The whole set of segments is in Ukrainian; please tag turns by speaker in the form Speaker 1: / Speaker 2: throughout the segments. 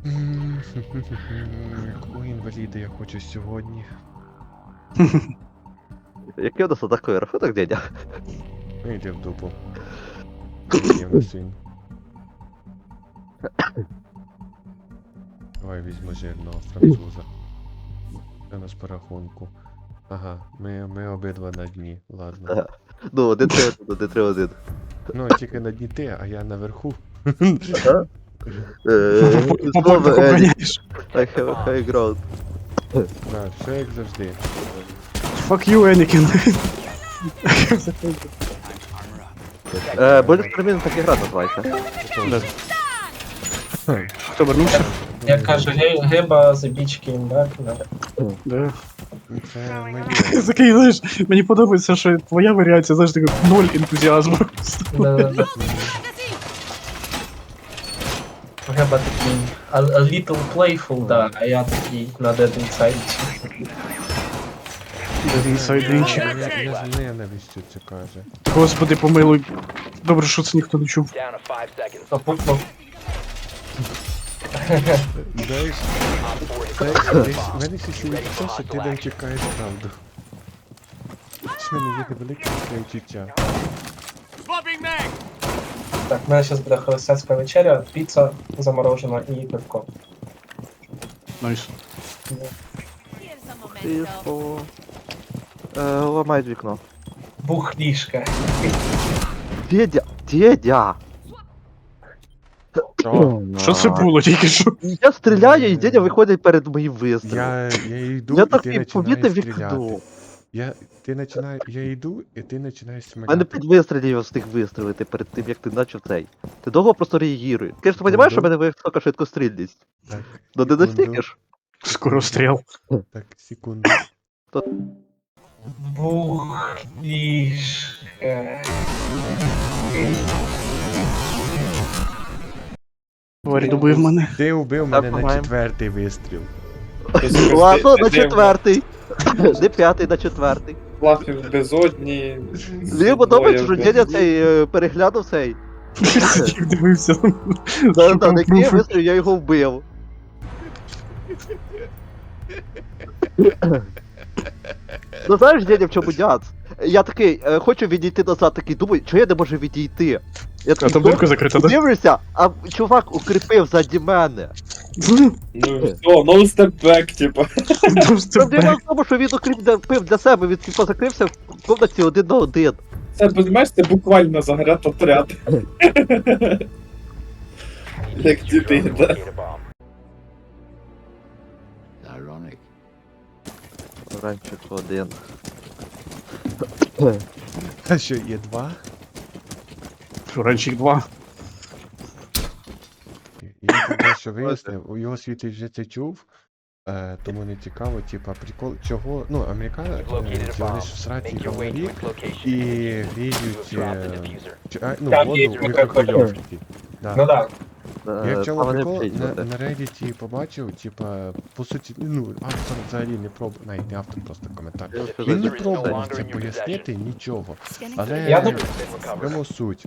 Speaker 1: Якого інваліда я хочу сьогодні?
Speaker 2: Який у нас такий рахунок, дядя?
Speaker 1: Ну йди в дупу. Приємно син. Давай візьму жирного француза. Це у нас по рахунку. Ага, ми обидва на дні, ладно.
Speaker 2: Ага. Ну, 1-3-1, 1-3-1.
Speaker 1: Ну, тільки на дні ти, а я наверху.
Speaker 2: Ага.
Speaker 3: Попорно охороняєш.
Speaker 2: I have high ground.
Speaker 1: Так, все як завжди.
Speaker 3: Fuck you, Anakin.
Speaker 2: Больно термін так і гра називається.
Speaker 3: Хто вернувся?
Speaker 4: Як каже Геба за бічки імбак.
Speaker 3: Да.
Speaker 1: Це моє.
Speaker 3: Такий, знаєш, мені подобається, що твоя варіація, знаєш, така ноль ентузіазму.
Speaker 4: Геба такий a little playful, да, а я такий на Dead Inside.
Speaker 3: Інсайдинчик.
Speaker 1: Я з ненавистю це каже.
Speaker 3: Господи, помилуй. Добре, що це ніхто не чув.
Speaker 4: Попутно.
Speaker 1: Знаєш, десь в мене ще є те, що ти не чекаєш правду. В мене є невелике таке відчуття.
Speaker 4: Так, в мене зараз буде холостяцька вечеря, піца заморожена і пивко.
Speaker 3: Найс.
Speaker 2: Тихо. Ламають вікно.
Speaker 4: Бухлішка.
Speaker 2: Дядя!
Speaker 3: Що це було тільки що?
Speaker 2: Я стріляю, і дядя виходить перед моїм вистрілом.
Speaker 1: Я йду,
Speaker 2: Я
Speaker 1: і
Speaker 2: так
Speaker 1: ти
Speaker 2: і помітив
Speaker 1: починаєш стріляти.
Speaker 2: вікно.
Speaker 1: Я йду, і ти починаєш
Speaker 2: У мене
Speaker 1: сміляти.
Speaker 2: 5 вистрілів я встиг вистрілити перед тим, як ти почав цей. Ти довго просто реагіруєш. Ти ж розумієш, що в мене висока швидкострільність?
Speaker 1: Так,
Speaker 2: Ну не
Speaker 1: секунду.
Speaker 2: достигнеш.
Speaker 3: Скоро стріл.
Speaker 1: Так, секунду.
Speaker 4: Бухлішка.
Speaker 3: Тварь добив мене.
Speaker 1: Ти убив мене на
Speaker 2: маємо.
Speaker 1: 4-й вистріл.
Speaker 2: Ладно, на 4-й. Не 5-й, на 4-й.
Speaker 5: Лафів в безодні.
Speaker 2: Мені подобається, що дядя цей переглянув цей.
Speaker 3: Сидів, дивився.
Speaker 2: На який я вистріл, я його вбив. Ну знаєш, дядя, в чому дяц? Я такий, хочу відійти назад, такий, думаю, чого я не можу відійти? Я
Speaker 3: А
Speaker 2: такий,
Speaker 3: там дирка закрита, да?
Speaker 2: дивлюся, а чувак укріпив ззаді мене.
Speaker 5: Ну все, no step back, типа.
Speaker 2: Проблема в тому, що він укріпив для себе, він типу закрився в комнаті 1 на 1.
Speaker 5: Це, розумієш, це буквально загратотряд. Як діти, да.
Speaker 2: Ранчик 1.
Speaker 1: А що, є 2?
Speaker 3: Ранчик 2.
Speaker 1: Я тебе що вияснив, у його світі вже це чув, тому не цікаво, типа, прикол, чого, ну, американці, вони ж в сраці говорять і гріють, ну,
Speaker 4: Там
Speaker 1: воду
Speaker 4: є
Speaker 1: в мікрохвильовці.
Speaker 4: Ну
Speaker 1: Да.
Speaker 4: да.
Speaker 1: Я в чому прикол, на Reddit побачив, типа, по суті, ну, автор взагалі не пробував, навіть не автор, просто коментар. Він не пробував це пояснити, нічого, але
Speaker 4: Я
Speaker 1: в чому суть.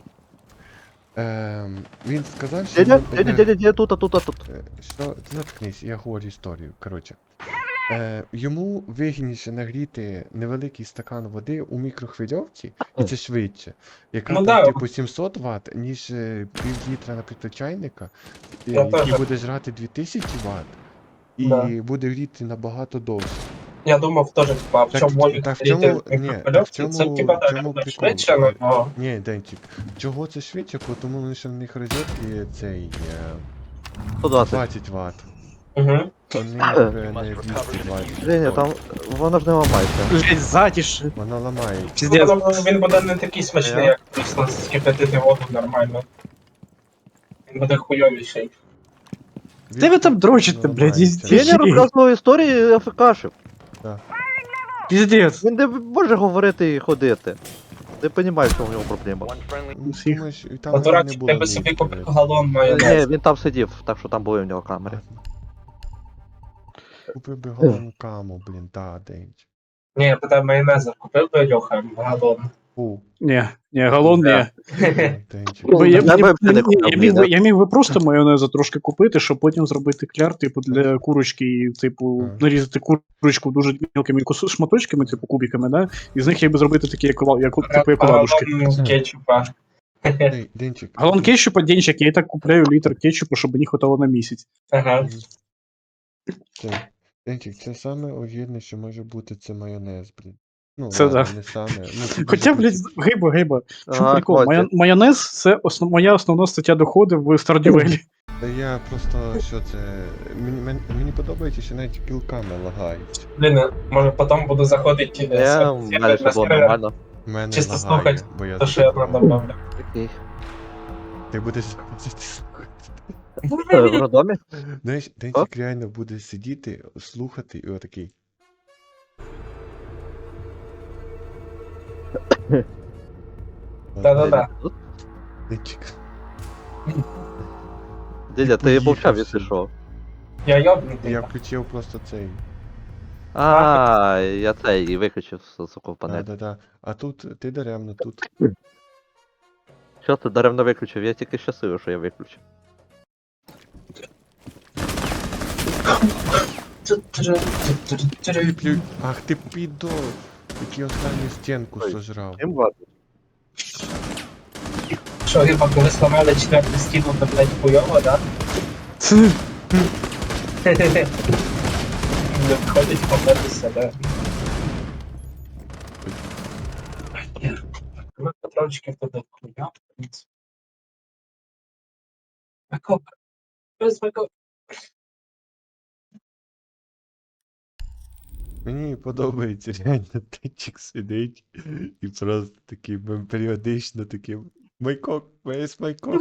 Speaker 1: Він сказав, що...
Speaker 2: Дядя, тут.
Speaker 1: Що, заткнись, я говорю історію. Коротше. Йому вигідніше нагріти невеликий стакан води у мікрохвильовці, і це швидше. Яка
Speaker 4: Ну
Speaker 1: там,
Speaker 4: да.
Speaker 1: типу, 700 Вт, ніж пів літра, наприклад, чайника,
Speaker 4: Я
Speaker 1: який
Speaker 4: теж.
Speaker 1: буде жрати 2000 Вт, і
Speaker 4: Да.
Speaker 1: буде гріти набагато довше.
Speaker 4: Я думав теж, типа, в
Speaker 1: Так,
Speaker 4: чому волі
Speaker 1: так в чому- ні, так в
Speaker 4: це
Speaker 1: чому-
Speaker 4: типа
Speaker 1: в
Speaker 4: так,
Speaker 1: чому прикол?
Speaker 4: швидше, но
Speaker 1: Ні, Денчик, чого це швидше? Тому що в них розетки цей
Speaker 2: 120.
Speaker 1: 20 Вт.
Speaker 4: угу.
Speaker 1: У них не 220.
Speaker 2: Женя, там воно ж не ламається.
Speaker 3: Блять, затіше.
Speaker 1: Воно ламає.
Speaker 3: Піздець.
Speaker 4: Він буде не такий смачний, як просто скипятити воду нормально. Він буде хуйовіший.
Speaker 3: Де ви там дрочите, блядь,
Speaker 1: ламається.
Speaker 3: із-
Speaker 2: Женя розказував історії АФКшів.
Speaker 3: Піздець.
Speaker 2: Він не може говорити і ходити. Не розумію, що в нього проблема.
Speaker 1: Ну,
Speaker 3: Всіх.
Speaker 1: думаєш, і там не
Speaker 4: Дурачик,
Speaker 1: було
Speaker 4: тебе собі
Speaker 1: ніяких
Speaker 4: купив
Speaker 1: проблем.
Speaker 4: галон майонез.
Speaker 2: Ні, він там сидів, так що там були в нього камери.
Speaker 1: Купив би головну каму, блін, да, Денч.
Speaker 4: Ні, я питаю майонеза, купив би Льоха галон.
Speaker 1: Фу.
Speaker 3: Ні, галон ні.
Speaker 1: Денчик.
Speaker 3: Бо я,
Speaker 2: Я
Speaker 3: мені-
Speaker 2: би взагалі не
Speaker 3: мені-
Speaker 2: купив,
Speaker 3: я міг би-
Speaker 2: блін.
Speaker 3: я міг би просто майонезу трошки купити, щоб потім зробити кляр, типу, для курочки, і, типу,
Speaker 1: Ага.
Speaker 3: нарізати курочку дуже мілкими шматочками, типу, кубиками, да? І з них я би зробити такі, типу, як оладушки.
Speaker 4: Галон кетчупа.
Speaker 1: Денчик.
Speaker 3: Галон кетчупа, денчик, я і так купляю літр кетчупу, щоб мені хватало на місяць.
Speaker 4: Ага.
Speaker 1: Це, Денчик, це саме огідне, що може бути, це майонез, блін. Ну,
Speaker 3: Це
Speaker 1: ладно,
Speaker 3: да.
Speaker 1: не саме. Ну, це
Speaker 3: Хоча,
Speaker 1: дуже
Speaker 3: блядь, гиба. В чому
Speaker 2: Ага,
Speaker 3: прикол?
Speaker 2: Костя.
Speaker 3: Майонез це моя основна стаття доходу в Стардювелі.
Speaker 1: Та я просто, що це... Мені подобається, що навіть кілками лагають.
Speaker 4: Блін, може потім буду заходити
Speaker 2: Я, в мене все було нормально.
Speaker 1: У мене
Speaker 4: Чисто
Speaker 1: лагає,
Speaker 4: слухать,
Speaker 1: бо я
Speaker 4: то, що я
Speaker 1: забував.
Speaker 4: добавлю.
Speaker 2: Такий.
Speaker 1: Ти будеш...
Speaker 2: В роддомі?
Speaker 1: Знаєш, Денчик реально буде сидіти, слухати і отакий.
Speaker 4: Да-да-да.
Speaker 1: Денчик.
Speaker 2: Дідя, ти
Speaker 1: Поїхав
Speaker 2: мовчав, якщо
Speaker 1: собі.
Speaker 2: що.
Speaker 4: Я йобнутий.
Speaker 1: Я включив просто цей.
Speaker 2: А, я цей і виключив суку в панель.
Speaker 1: Да-да-да. А тут ти даремно, тут.
Speaker 2: Що ти даремно виключив? Я тільки щасливий, що я виключив.
Speaker 1: Ах ти підо! Який останню стінку
Speaker 2: Ой.
Speaker 1: сожрав.
Speaker 2: Чим варто?
Speaker 4: Що, хіба коли сломали четверту стіну, то, блядь, хуйово, да? Не входить побитися, да? Ми патрончики туди хуя. Бекоп. Без бекоп.
Speaker 1: Мені подобається реально Денчик сидить і просто таким періодично таким. Майкок, весь майкок.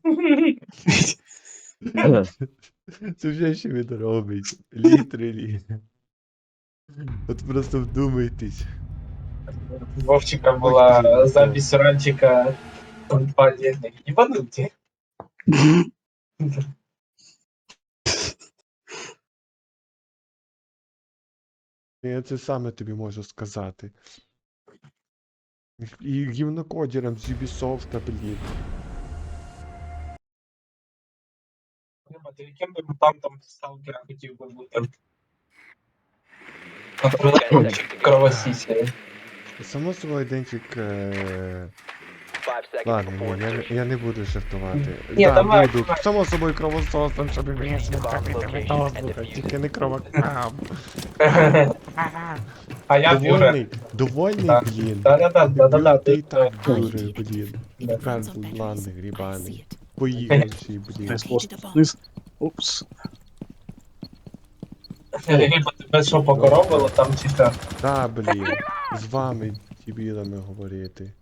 Speaker 1: Це вже що він робить. Літрелі. От просто вдумайтесь.
Speaker 4: Вовчика була запись ранчика компанії. Ебануті.
Speaker 1: Я це саме тобі можу сказати. І гівнокодерам з Ubisoft, блін.
Speaker 4: Ти яким би мутантом сталкера хотів би бути? Наприклад, кровосісі.
Speaker 1: Само собою, Денчик. Ладно, ні, я не буду жартувати.
Speaker 4: Ні,
Speaker 1: Да,
Speaker 4: давай,
Speaker 1: буду.
Speaker 4: давай.
Speaker 1: Само собою кровососом, щоб вмісно капити метос буде, тільки не кровокам.
Speaker 4: А я Бюре.
Speaker 1: Довольний,
Speaker 4: Так.
Speaker 1: блін.
Speaker 4: Да-да-да.
Speaker 1: Ти і так Бюре, блін. Тепер ладний, грібаний. Поїхавший, блін.
Speaker 3: Десь вниз. Упс.
Speaker 4: Риба, тебе що покоробило там чи що?
Speaker 1: Та, блін. З вами, дебілами, говорити.